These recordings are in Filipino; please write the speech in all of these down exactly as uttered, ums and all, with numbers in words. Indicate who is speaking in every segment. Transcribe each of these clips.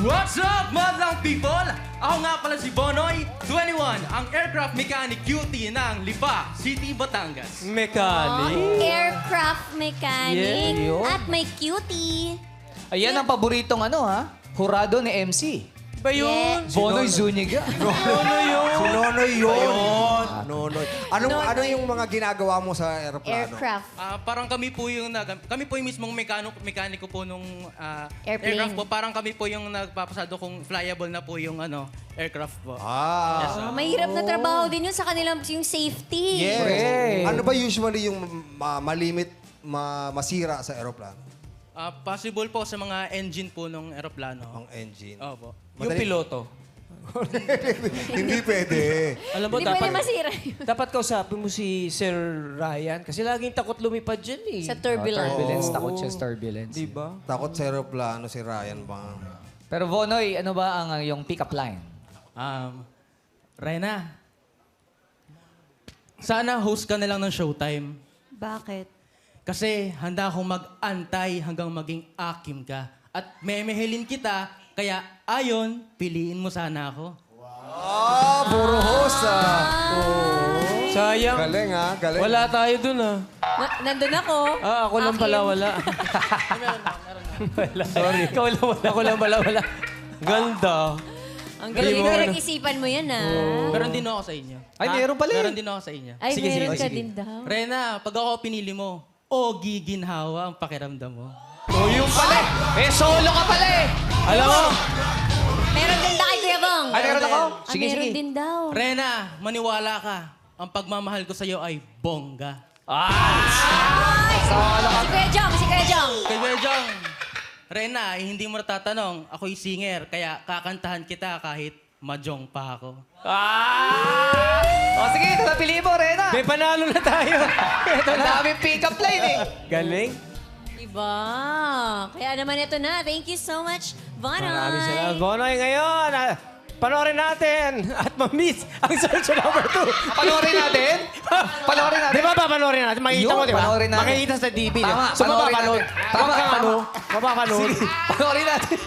Speaker 1: What's up, madlang people? Ako nga pala si Bonoy, twenty-one, ang aircraft mechanic cutie ng Lipa City, Batangas.
Speaker 2: Mechanic?
Speaker 3: Aircraft mechanic.
Speaker 2: Yeah, yun.
Speaker 3: At may cutie.
Speaker 4: Ayan ang paboritong ano ha, hurado ni M C.
Speaker 2: Ba yun?
Speaker 4: Bonoy Zuniga.
Speaker 2: Ano yun?
Speaker 5: Si Nonoy yun. Nonoy. Anong,
Speaker 3: Nonoy.
Speaker 5: ano yung mga ginagawa mo sa aeroplano?
Speaker 3: Aircraft.
Speaker 1: Ah, parang kami po yung nag, kami po yung mismong mekano, mekaniko po nung ah,
Speaker 3: Airplane.
Speaker 1: aircraft po. Parang kami po yung nagpapasado kung flyable na po yung ano, aircraft po.
Speaker 5: Ah.
Speaker 1: Yes, sir.
Speaker 3: Oh, mahirap na trabaho din yun sa kanilang yung safety.
Speaker 5: Yes.
Speaker 4: Correct.
Speaker 5: Ano ba usually yung ma- malimit, ma- masira sa aeroplano?
Speaker 1: Ah, possible po sa mga engine po ng aeroplano.
Speaker 5: Ang engine.
Speaker 1: Opo.
Speaker 2: Yung piloto.
Speaker 5: Hindi pwede.
Speaker 2: Alam mo,
Speaker 3: Hindi pwede
Speaker 2: dapat,
Speaker 3: masira yun.
Speaker 2: dapat kausapin mo si Sir Ryan kasi laging takot lumipad dyan eh.
Speaker 3: Sa turbulence.
Speaker 4: Turbulence, takot siya sa turbulence.
Speaker 2: Di ba?
Speaker 5: Takot sa aeroplano si Ryan ba?
Speaker 4: Pero Bonoy, ano ba ang yung pick-up line?
Speaker 1: Um, Rena, sana host ka na lang ng Showtime.
Speaker 3: Bakit?
Speaker 1: Kasi handa akong mag-antay hanggang maging akim ka. At memehelin kita, kaya ayon, piliin mo sana ako.
Speaker 5: Ah, puro host ah.
Speaker 2: Sayang.
Speaker 5: Galing ah, galing.
Speaker 2: Wala tayo dun ah.
Speaker 3: Na- nandun ako.
Speaker 2: Ah, ako lang pala
Speaker 3: Akin.
Speaker 2: wala. Wala. Sorry. Ikaw lang wala. Ako lang pala wala. Ganda.
Speaker 3: Ang galing
Speaker 2: Hindi mo,
Speaker 3: na
Speaker 2: ano.
Speaker 3: isipan mo yan, ah.
Speaker 1: Meron din ako sa inyo.
Speaker 4: Ay,
Speaker 1: Ha?
Speaker 4: meron pala eh.
Speaker 1: Meron din ako sa inyo.
Speaker 3: Ay,
Speaker 2: Sige,
Speaker 3: meron
Speaker 2: sige,
Speaker 3: ka
Speaker 2: sige.
Speaker 3: din daw.
Speaker 1: Rena, pag ako pinili mo, o giginhawa ang pakiramdam mo.
Speaker 4: Oh, yung pala eh. Eh, solo ka pala eh.
Speaker 2: Alam mo,
Speaker 3: Meron din daw kay Kuya Bong.
Speaker 4: Ay, meron ako.
Speaker 3: Ah,
Speaker 4: Sige,
Speaker 3: meron
Speaker 4: sige.
Speaker 3: din daw.
Speaker 1: Rena, maniwala ka. Ang pagmamahal ko sa'yo ay bongga.
Speaker 3: Ay! Si Kuya Jong, si Kuya Jong.
Speaker 1: Kay Kuya Jong, Rena, eh, hindi mo natatanong. Ako'y singer, kaya kakantahan kita kahit majong pa ako.
Speaker 4: Ah! O sige, ito na pili mo, Rena.
Speaker 2: may panalo na tayo. Ito
Speaker 4: Ang
Speaker 2: na.
Speaker 4: daming pick-up line eh.
Speaker 2: Galing.
Speaker 3: Diba? Kaya naman ito na. Thank you so much, Bonoy.
Speaker 2: Maraming salamat. Bonoy ngayon. ah, Panoorin natin at ma-miss ang search number two.
Speaker 4: Panoorin natin. Panoorin natin.
Speaker 2: Di ba ba panoorin natin? Makikita
Speaker 4: Yun,
Speaker 2: mo, di ba?
Speaker 4: panoorin natin.
Speaker 2: Makikita sa T V. di ba?
Speaker 4: Tama,
Speaker 2: So,
Speaker 4: panoorin
Speaker 2: mapapanood.
Speaker 4: natin.
Speaker 2: Tama
Speaker 4: Tama,
Speaker 2: kang ano?
Speaker 4: tama.
Speaker 2: Mapapanood.
Speaker 4: Panoorin natin.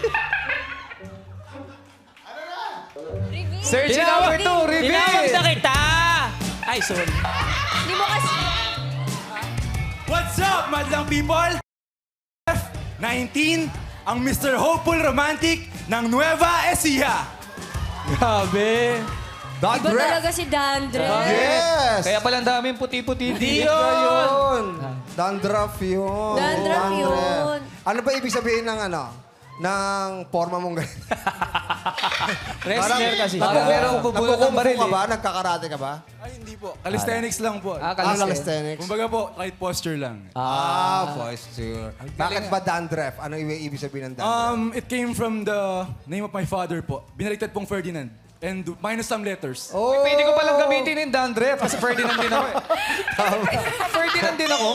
Speaker 3: Reveal.
Speaker 4: Search
Speaker 3: Reveal.
Speaker 4: number two, reveal.
Speaker 2: Tinawag na kita! Ay, sorry.
Speaker 3: Hindi mo kasi...
Speaker 6: What's up, madlang people? nineteen, ang Mister Hopeful Romantic ng Nueva Ecija.
Speaker 2: Grabe.
Speaker 5: Dad
Speaker 3: Iba
Speaker 5: ref.
Speaker 3: talaga si Dandre.
Speaker 5: Yes!
Speaker 4: Kaya pala ang daming puti-puti.
Speaker 2: Di
Speaker 5: Yun!
Speaker 2: yun.
Speaker 5: Dandruff yun.
Speaker 3: Dandruff yun.
Speaker 5: Ano ba ibig sabihin ng ano? Ng forma mong ganito?
Speaker 2: Wrestler kasi.
Speaker 4: Parang merong bubulot ng baril
Speaker 5: ka
Speaker 4: eh.
Speaker 5: ba? Nagkakarate ka ba?
Speaker 6: Ay, hindi po. Calisthenics lang po.
Speaker 4: Ah,
Speaker 5: Ah,
Speaker 4: calisthenics.
Speaker 5: calisthenics.
Speaker 6: Kumbaga po, right posture lang.
Speaker 5: Ah, posture. Bakit ba dandruff? Ano i- ibig sabihin ng dandruff?
Speaker 6: Um, it came from the name of my father po. Binaliktad pong Ferdinand. And minus some letters.
Speaker 5: oh!
Speaker 4: Pwede ko palang gamitin yung dandruff kasi Ferdinand din ako eh. Ferdinand din ako.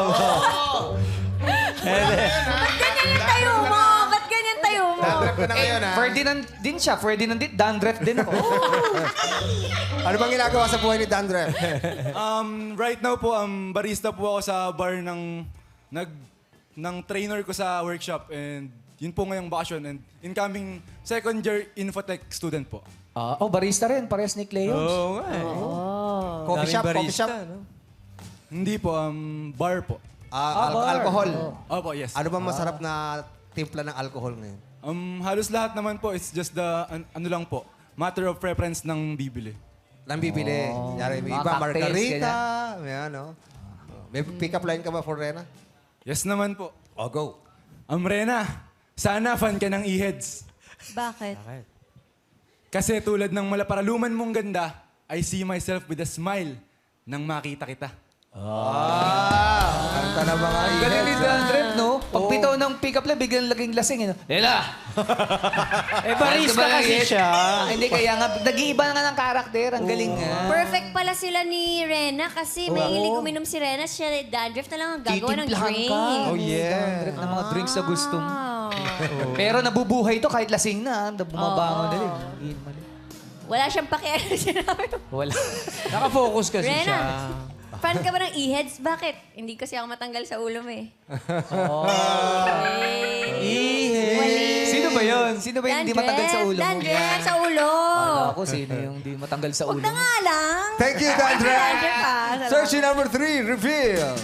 Speaker 3: Ba't ganyan yung tayo mo? Ba't ganyan tayo mo?
Speaker 5: Dandruff ka na ngayon, ha?
Speaker 4: Ferdinand din siya. Ferdinand din. Dandruff din ako.
Speaker 5: Ano bang ginagawa sa buhay ni dandruff?
Speaker 6: Um, right now po, um, barista po ako sa bar ng, nag, ng trainer ko sa workshop. And yun po ngayong bakasyon. And incoming second year infotech student po.
Speaker 4: Ah, oh, barista rin. Parehas ni Cleons.
Speaker 2: Oo nga eh.
Speaker 5: Coffee
Speaker 2: Daming
Speaker 5: shop, coffee
Speaker 2: barista,
Speaker 5: shop.
Speaker 2: no?
Speaker 6: Hindi po, um, bar po.
Speaker 5: Ah, al-
Speaker 4: bar.
Speaker 5: alcohol.
Speaker 6: Opo, yes.
Speaker 5: Ano bang masarap na timpla ng alcohol ngayon?
Speaker 6: Um, halos lahat naman po, it's just the, an- ano lang po, matter of preference ng bibili.
Speaker 5: Lang bibili. Yari, may
Speaker 4: Mga
Speaker 5: iba,
Speaker 4: cocktails,
Speaker 5: margarita. May ano. May pick-up line ka ba for Rena?
Speaker 6: Yes naman po.
Speaker 5: Oh, go.
Speaker 6: Um, Rena, sana fan ka ng e-heads.
Speaker 3: Bakit?
Speaker 6: Kasi tulad ng malaparaluman mong ganda, I see myself with a smile nang makita kita.
Speaker 5: Ah, kanta na mga
Speaker 4: Ang galing ni Dandruff, no? Pag bitaw ng pick-up line, biglang laging lasing. Eh, no? Lela!
Speaker 2: Eh, barista kasi siya.
Speaker 4: Ah, hindi, kaya nga, nag-iiba nga ng karakter. Ang galing nga.
Speaker 3: Perfect pala sila ni Rena kasi may hilig uminom si Rena. Siya, Dandruff na lang ang gagawa ng
Speaker 4: Titimplahan
Speaker 3: drink.
Speaker 4: ka.
Speaker 5: Oh, yeah.
Speaker 4: Dandruff ng mga drinks na gusto mo.
Speaker 3: Wow.
Speaker 4: Pero nabubuhay to kahit lasing na. Bumabangon na rin.
Speaker 3: Wala siyang pakialam sinabi mo.
Speaker 4: Wala.
Speaker 2: Nakafocus kasi
Speaker 3: Rena,
Speaker 2: siya.
Speaker 3: fan ka ba ng e-heads? Bakit? Hindi kasi ako matanggal sa ulo mo eh.
Speaker 4: Oh.
Speaker 3: Eh.
Speaker 2: E-heads.
Speaker 3: Wali.
Speaker 4: Sino ba yun? Sino ba yung hindi matanggal sa ulo mo?
Speaker 3: Dandruff sa ulo.
Speaker 4: Akala ko sino yung hindi matanggal sa
Speaker 3: Huwag
Speaker 4: ulo
Speaker 3: na
Speaker 4: mo.
Speaker 3: nga lang.
Speaker 5: Thank you, Dandruff.
Speaker 3: Dandruff, ah. Salamat.
Speaker 5: Search number three, reveal.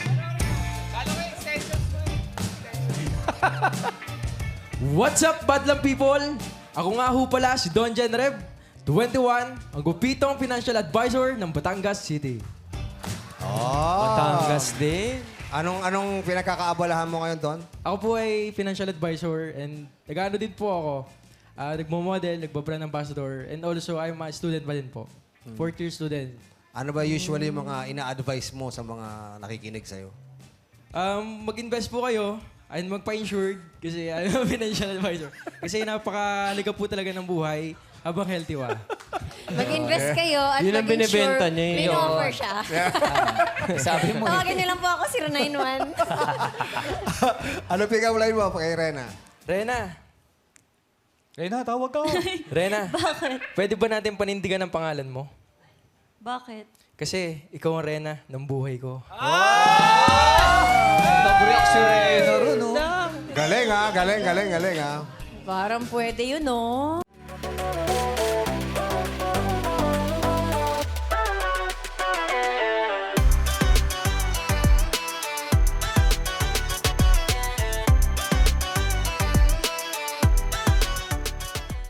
Speaker 7: What's up, Badlang people? Ako nga ho pala si Don Jen Rev, twenty-one, ang gupitong financial advisor ng Batangas City.
Speaker 5: Oh.
Speaker 2: Batangas din.
Speaker 5: Anong anong pinagkakaabalahan mo ngayon, Don?
Speaker 7: Ako po ay financial advisor and nag-ano din po ako. Uh, nagmo-model, nagbabrand ambassador, and also I'm a student pa din po. Fourth year student.
Speaker 5: Ano ba usually yung mga ina-advise mo sa mga nakikinig sa'yo?
Speaker 7: Um, mag-invest po kayo and magpa-insured kasi I'm a financial advisor. Kasi napakaliga po talaga ng buhay habang healthy wa.
Speaker 3: Mag-invest kayo at
Speaker 2: Yun ang
Speaker 3: mag-insure.
Speaker 2: binibenta niya eh.
Speaker 3: May offer siya.
Speaker 4: Sabi mo.
Speaker 3: Tawagin niyo lang po ako, zero nine one.
Speaker 5: Ano pick-up line mo kay Rena?
Speaker 7: Rena,
Speaker 4: Rena, tawag ka.
Speaker 7: Rena, pwede ba natin panindigan ang pangalan mo?
Speaker 3: Bakit?
Speaker 7: Kasi ikaw ang Rena ng buhay ko.
Speaker 4: Nag-react si Rena ron, no?
Speaker 5: Galing ha, galing, galing, galing ha.
Speaker 3: Parang pwede yun, no?